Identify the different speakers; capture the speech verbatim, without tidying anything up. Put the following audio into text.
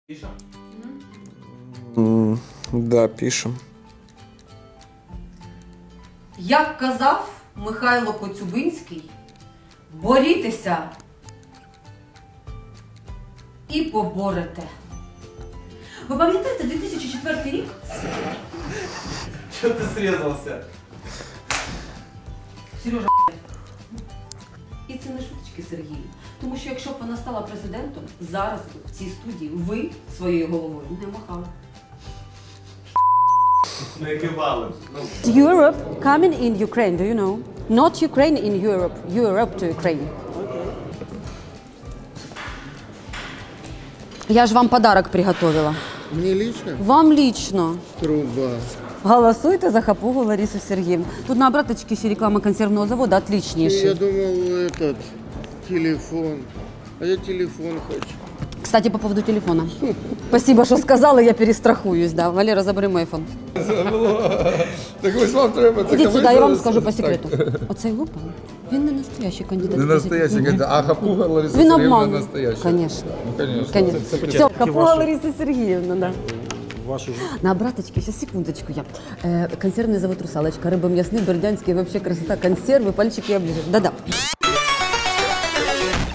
Speaker 1: Пишем?
Speaker 2: Mm, да, пишем.
Speaker 3: Як казав Михайло Коцюбинський, борітеся і поборете. Ви пам'ятаєте дві тисячі четвертий рік?
Speaker 1: Чё ты срезался?
Speaker 3: Сережа, і це не шуточки, Сергію. Тому що якщо б вона стала президентом, зараз би в цій студії ви своєю головою не махали.
Speaker 1: Не кивали.
Speaker 4: Europe coming in Ukraine, do you know? Not Ukraine in Europe, Europe to Ukraine. Я ж вам подарок приготовила.
Speaker 5: Мне лично?
Speaker 4: Вам лично.
Speaker 5: Труба.
Speaker 4: Голосуйте за Хапугу Ларису Сергеевну. Тут на обраточке еще реклама консервного завода
Speaker 5: Я
Speaker 4: отличнейший.
Speaker 5: думал, этот, телефон. А я телефон хочу.
Speaker 4: Кстати, по поводу телефона. Спасибо, что сказала, я перестрахуюсь. Да. Валера, забери мой iPhone.
Speaker 2: Так ось вам треба.
Speaker 4: Ідіть сюди, я вам скажу по секрету. Оцей Лупа, він не настоящий кандидат.
Speaker 2: Не настоящий кандидат, а Хапуга Лариса
Speaker 4: Він
Speaker 2: Сергіївна
Speaker 4: обманув.
Speaker 2: настояща.
Speaker 4: Конечно.
Speaker 2: Ну, конечно.
Speaker 4: Конечно.
Speaker 2: Це- це
Speaker 4: Все, Хапуга Лариса Сергеевна, да.
Speaker 6: Ваши...
Speaker 4: На обраточке, сейчас, секундочку, я. Э, консервный завод «Русалочка», рыба мясные, бердянские, вообще красота, консервы, пальчики оближешь. Да-да.